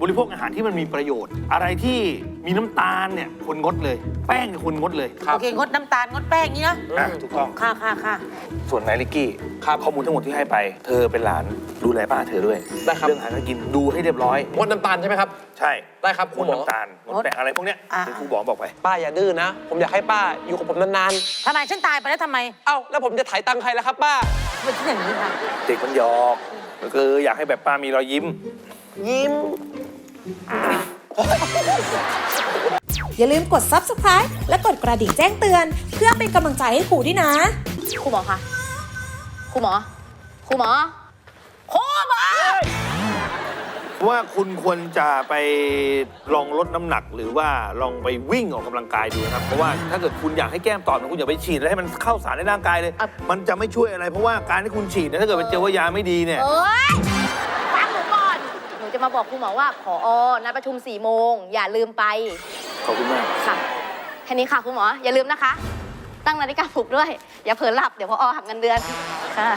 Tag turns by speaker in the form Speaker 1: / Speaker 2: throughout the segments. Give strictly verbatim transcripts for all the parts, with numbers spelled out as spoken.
Speaker 1: ริโภคอาหารที่มันมีประโยชน์ อะไรที่มีน้ำตาลเนี่ยคนงดเลย แป้งเนี่ยคนงดเลย
Speaker 2: โอเคงดน้ำตาลงดแป้งนี้นะ
Speaker 1: อ่ะถูกต้อง
Speaker 2: ค่ะค่ะค่ะ
Speaker 1: ส่วนนายลิกกี้ข้อมูลทั้งหมดที่ให้ไปเธอเป็นหลานดูแลป้าเธอด้วย
Speaker 3: ได้ครับ
Speaker 1: เรื่องอาหารการกินดูให้เรียบร้อย
Speaker 3: งดน้ำตาลใช่ไหมครับ
Speaker 1: ใช่
Speaker 3: ได้ครับครู
Speaker 1: งด
Speaker 3: หมอ
Speaker 1: น้ำตาลงดแป้งอะไรพวกเนี้ยที่ครูบอกบอกไป
Speaker 3: ป้าอย่าดื้อนะ ผมอยากให้ป้าอยู่กับผมนาน
Speaker 2: ทำไมฉันตายไปแล้วทำไม
Speaker 3: ๆ เอ้าแล้วผมจะถ่ายตังค์ใครล่ะครับป้า
Speaker 2: ไม่ใช่อย่างนี้ค่ะ
Speaker 1: เด็กมันหยอกก็คืออยากให้แบบป้ามีรอยยิ้ม
Speaker 3: ยิ้ม
Speaker 4: อย่าลืมกด ซับสไครบ์ และกดกระดิ่งแจ้งเตือน เพื่อเป็นกำลังใจให้ครูด้วยนะ
Speaker 5: ครูหมอคะครูหมอครูหมอครูหมอ
Speaker 1: ว่าคุณควรจะไปลองลดน้ำหนักหรือว่าลองไปวิ่งออกกำลังกายดูนะครับเพราะว่าถ้าเกิดคุณอยากให้แก้มตอบคุณอย่าไปฉีดแล้วให้มันเข้าสารในร่างกายเลย มันจะไม่ช่วยอะไรเพราะว่าการที่คุณฉีดเนี่ยถ้าเกิดไปเจอว่ายาไม่ดีเนี่ย
Speaker 5: เอ้ยฟังหนูก่อนหนูจะมาบอกครูหมอว่าผอนัดประชุมสี่โมงอย่าลืมไป
Speaker 1: ขอบคุณมาก
Speaker 5: ค่ะแค่นี้ค่ะครูหมออย่าลืมนะคะ ตั้งนาฬิกาปลุกด้วย อย่าเผลอหลับเดี๋ยวพอหักเงินเดือนค่ะ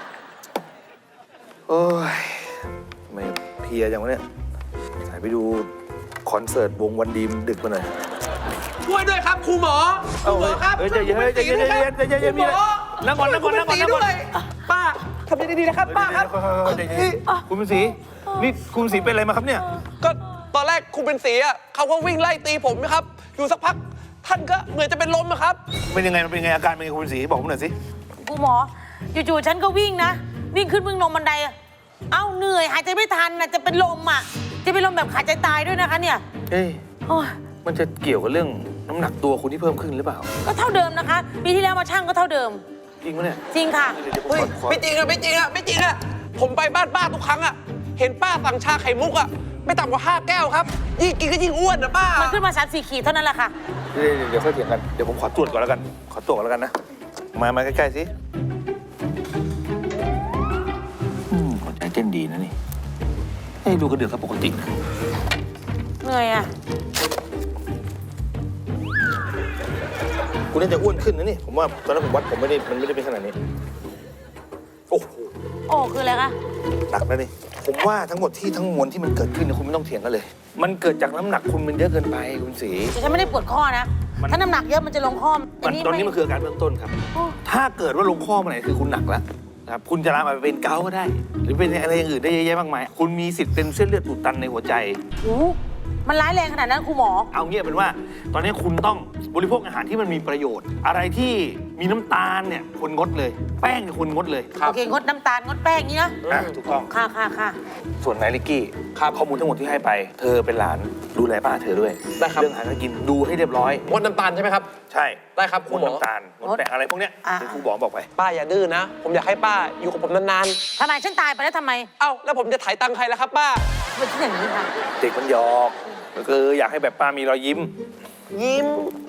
Speaker 1: โอ้ยทำไม่เพลียจังวะเนี่ยสายไปดูคอนเสิร์ตวงวันดีมดึกมาหน่อย
Speaker 3: ช่วยด้วยครับครูหมอครูหมอครับ
Speaker 1: เฮ้ยใจเย็นใจเย็นใจเย็นใจเย็นใจเย็นมีอะไรนั่งก่อนนั่งก่อนนั่งก่อนนั่งก่อน
Speaker 3: ป้าทำดีๆนะครับป้าครับ
Speaker 1: ใจเย็นคุณเป็นสีนี่คุณเป็นสีเป็นอะไรมาครับเนี่ย
Speaker 3: ก็ตอนแรกครูเป็นสีอ่ะเขาก็วิ่งไล่ตีผมนะครับ อยู่สักพักท่านก็เหมือนจะเป็นลมอะครับ
Speaker 1: เป็นยังไงมันเป็นยังไงอาการเป็นยังไงคุณเป็นสีบอกผมหน่อยสิ
Speaker 2: ครูหมอจู่ๆฉันก็วิ่งนะ วิ่งขึ้นวิ่งลงบันไดอะเอ้าเหนื่อยหายใจไม่ทันนะจะเป็นลมอ่ะจะเป็นลมแบบขาดใจตายด้วยนะคะเนี่ย
Speaker 1: เอ้ย
Speaker 2: โอ้ย
Speaker 1: มันจะเกี่ยวกับเรื่องน้ำหนักตัวคุณที่เพิ่มขึ้นหรือเปล่า
Speaker 2: ก็เท่าเดิมนะคะปีที่แล้วมาช่างก็เท่าเดิม
Speaker 1: จริงปะเนี่ย
Speaker 2: จริงค่ะ
Speaker 1: เดี๋ยวผม
Speaker 3: เฮ้ย
Speaker 1: ขอขอ
Speaker 3: ไม่จริงอะไม่จริงอะไม่จริงอะผมไปบ้านป้าทุกครั้งอะเห็นป้าสั่งชาไข่มุกอะไม่ต่ำกว่าห้าแก้วครับยิ่งกินก็ยิ่งอ้วนนะป้า
Speaker 2: มันขึ้นมาสามสี่ขีดเท่านั้นแหละค่ะ
Speaker 1: เดี๋ยวเดี๋ยวค่อยเถียงกันเดี๋ยวผมขอตรวจก่อนแล้วกันขอตรวจก่อนแล้วกันนะมามาใกล้ๆสิอืมหัวใจเต้นดีนะนี่ให้ดูกระเดือกครับปกตินะ
Speaker 2: เหนื่อยอ่ะ
Speaker 1: คุณน่าจะอ้วนขึ้นนะนี่ผมว่าตอนนั้นผมวัดผมไม่ได้มันไม่ได้เป็นขนาดนี้โอ้โห
Speaker 2: โอ้คืออะไรคะ
Speaker 1: หนักแล้วนี่ผมว่าทั้งหมดที่ทั้งมวลที่มันเกิดขึ้นเนี่ยคุณไม่ต้องเถียงกันเลย มันเกิดจากน้ำหนักคุณมันเยอะเกินไปคุณศรี
Speaker 2: แต่ฉันไม่ได้ปวดข้อนะ
Speaker 1: มัน
Speaker 2: ถ้าน้ำหนักเยอะมันจะลงข้อ
Speaker 1: มันตอนนี้มันคืออาการเบื้องต้นครับ
Speaker 2: โอ้
Speaker 1: ถ้าเกิดว่าลงข้อมาไหนคือคุณหนักแล้วนะครับคุณจะลามไปเป็นเกาต์ก็ได้ หรือเป็นอะไรอย่างอื่นได้เยอะแยะมากมายคุณมีสิทธิ์เป็นเส้นเลือดอุดตันในหัวใจ
Speaker 2: โหมันร้ายแรงขนาดนั้นครูหมอ
Speaker 1: เอาเงี้ยเป็นว่า ตอนนี้คุณต้องบริโภคอาหารที่มันมีประโยชน์ อะไรที่มีน้ำตาลเนี่ยคนงดเลย แป้งเนี่ยคนงดเลย
Speaker 2: โอเคงดน้ำตาลงดแป้งนี้นะ
Speaker 1: อ่ะถูกต้อง
Speaker 2: ค่ะค่ะค่ะ
Speaker 1: ส่วนนายลิกกี้ข้อมูลทั้งหมดที่ให้ไป เธอเป็นหลานดูแลป้าเธอด้วย
Speaker 3: ได้ครับ
Speaker 1: เรื่องอาหารการกินดูให้เรียบร้อย
Speaker 3: งดน้ำตาลใช่ไหมครับ
Speaker 1: ใช่
Speaker 3: ได้ครับครู
Speaker 1: งด
Speaker 3: หมอ
Speaker 1: น้ำตาลงดแป้งอะไรพวกเนี้ยที่ครูบอกบอกไป
Speaker 3: ป้าอย่าดื้อนะ ผมอยากให้ป้าอยู่กับผมนาน
Speaker 2: ทำไมฉันตายไปแล้วทำไม
Speaker 3: ๆ เอ้าแล้วผมจะถ่ายตังค์ใครล่ะครับป้า
Speaker 2: ไม่ใช่อย่างนี้ค่ะ
Speaker 1: เด็กมันหยอกก็คืออยากให้แบบป้ามีรอยยิ้ม
Speaker 3: ยิ้ม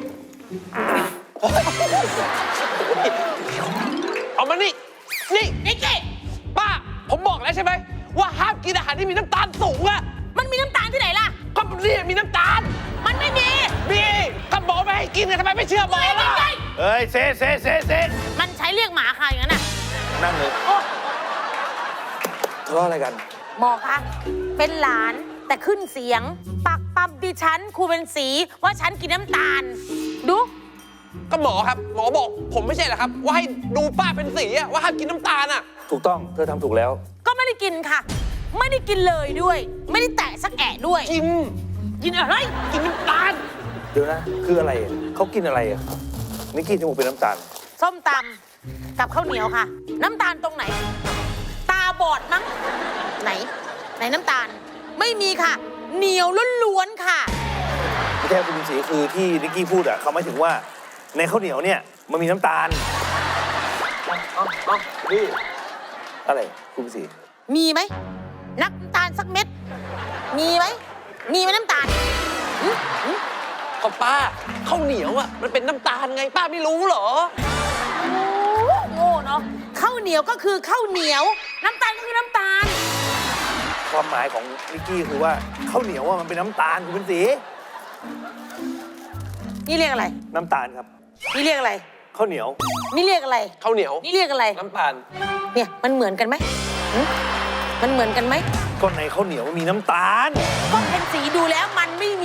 Speaker 3: เอามานี่ นี่
Speaker 2: นี่เจ๊
Speaker 3: ป้า ผมบอกแล้วใช่ไหมว่าห้ามกินอาหารที่มีน้ำตาลสูงอะ
Speaker 2: มันมีน้ำตาลที่ไหนล่ะ
Speaker 3: ก็นี่มีน้ำตาล
Speaker 2: มันไม่มี
Speaker 3: มีก็หมอไม่ให้กินกันทำไมไม่เชื่อหมอล่ะ
Speaker 1: เอ้ยเซเซเซเซ
Speaker 2: มันใช้เรียกหมาค่ะอย่างนั้นน่ะ
Speaker 1: นั่งเลย
Speaker 2: โอ้
Speaker 1: ทะเลาะอะไรกัน
Speaker 2: หมอคะเป็นหลานแต่ขึ้นเสียง ปักปั๊มดิฉันครูเป็นสีว่าฉันกินน้ำตาล ดู
Speaker 3: ก็หมอครับ หมอบอกผมไม่ใช่เหรอครับ ว่าให้ดูป้าเป็นสีอะว่าห้ามกินน้ำตาลอะ
Speaker 1: ถูกต้องเธอทำถูกแล้ว
Speaker 2: ก็ไม่ได้กินค่ะ ไม่ได้กินเลยด้วย ไม่ได้แตะสักแอะด้วย
Speaker 3: กิน
Speaker 2: กินอะไร
Speaker 3: กินน้ำตาล
Speaker 1: เดี๋ยวนะ คืออะไรอ่ะเขากินอะไรอ่ะนิกกี้จมูกเป็นน้ำตาล
Speaker 2: ส้มตำกับข้าวเหนียวค่ะ น้ำตาลตรงไหน ตาบอดมั้งไหน ไหนน้ำตาล ไม่มีค่ะ เหนียวล้วนๆค่ะ
Speaker 1: ไม่ใช่คุณสีคือที่นิกกี้พูดอ่ะเขาหมายถึงว่าในข้าวเหนียวเนี่ยมันมีน้ำตาล
Speaker 3: เอาเอานี่
Speaker 1: อะไรคุณสี
Speaker 2: มีไหมน้ำตาลสักเม็ด มีไหมมีไหมน้ำตาลหึหึ
Speaker 3: ก็ป้าข้าวเหนียวอะมันเป็นน้ำตาลไงป้าไม่รู้เหรอ
Speaker 2: โอ้โง่เนาะข้าวเหนียวก็คือข้าวเหนียว น้ำตาลก็คือน้ำตาล
Speaker 1: ความหมายของนิกกี้คือว่าข้าวเหนียวว่ามันเป็นน้ำตาลคุณเป็นสี
Speaker 2: นี่เรียกอะไร
Speaker 1: น้ำตาลครับ
Speaker 2: นี่เรียกอะไร
Speaker 1: ข้าวเหนียว
Speaker 2: นี่เรียกอะไร
Speaker 3: ข้าวเหนียว
Speaker 2: นี่เรียกอะไร
Speaker 3: น้ำตาล
Speaker 2: เนี่ยมันเหมือนกันไหมหึมันเหมือนกันไหม
Speaker 1: ก็ในข้าวเหนียวมันมีน้ำตาล
Speaker 2: ก็เห็น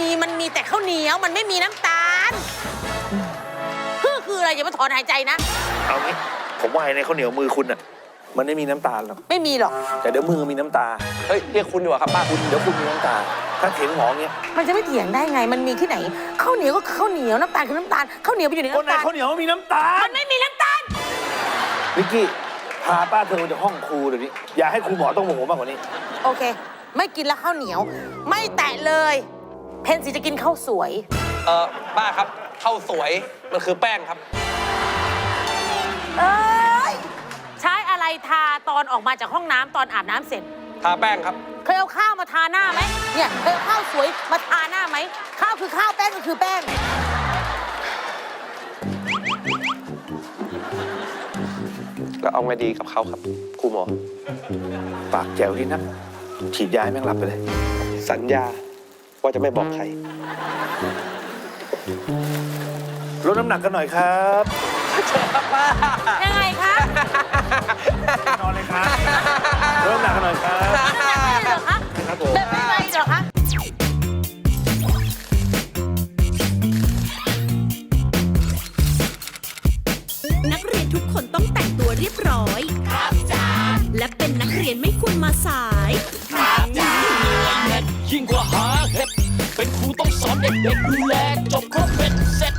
Speaker 2: มันมีแต่ข้าวเหนียวมันไม่มีน้ำตาลคือคืออะไรอย่ามาถอนหายใจนะ
Speaker 1: เอางี้ผมว่าในข้าวเหนียวมือคุณอ่ะมันไม่มีน้ำตาลหรอก
Speaker 2: ไม่มีหรอก
Speaker 1: แต่เดี๋ยวมือมีน้ำตา
Speaker 3: เฮ้ยเรียกคุณดีกว่าครับป้า
Speaker 1: คุณเดี๋ยวคุณมีน้ำตา ถ้าเถียงหมอเงี้ย
Speaker 2: มันจะไม่เถียงได้ไง มันมีที่ไหนข้าวเหนียวก็ข้าวเหนียวน้ำตาลคือน้ำตาลข้าวเหนียวไปอยู่ใน
Speaker 1: คนใน
Speaker 2: น้ำตาล
Speaker 1: ข้าวเหนียวมันมีน้ำตาล
Speaker 2: มันไม่มีน้ำตาล
Speaker 1: วิกกี้พาป้าเธอจากห้องครูเดี๋ยวนี้อย่าให้ครูหมอต้องโมโหมากกว่านี้
Speaker 2: โอเค ไม่กินแล้วข้าวเหนียว ไม่แตะเลย เพนสีจะกินข้าวสวย
Speaker 3: เออป้าครับข้าวสวยมันคือแป้งครับ
Speaker 2: เอ้ยใช้อะไรทาตอนออกมาจากห้องน้ำตอนอาบน้ำเสร็จ
Speaker 3: ทาแป้งครับ
Speaker 2: เคยเอาข้าวมาทาหน้าไหมเนี่ยเคยเอาข้าวสวยมาทาหน้าไหมข้าวคือข้าวแป้งก็คือแป้ง
Speaker 3: แล้วเอาไงดีกับเขาครับครูหมอ
Speaker 1: ปากแจ๋วนี่นะฉีดยาให้แม่งหลับไปเลย
Speaker 3: สัญญาว่าจะไม่บอกใคร
Speaker 1: ลดน้ำหนักกันหน่อยครับ
Speaker 2: ยังไงคะ
Speaker 1: นอนเลยครับลดน้ำหนักกันหน่อยครับ
Speaker 2: น้ำหนักไม่ได้เหรอคะ
Speaker 1: ครับผม
Speaker 2: เดินไม่ไหวเหรอคะ
Speaker 6: นักเรียนทุกคนต้องแต่งตัวเรียบร้อย ครับจ้าและเป็นนักเรียนไม่ควรมาสาย
Speaker 7: ยิ่งกว่าหาเห็ดเป็นครูต้องสอนเด็กๆดูแลจบครบเป็นเสร็จ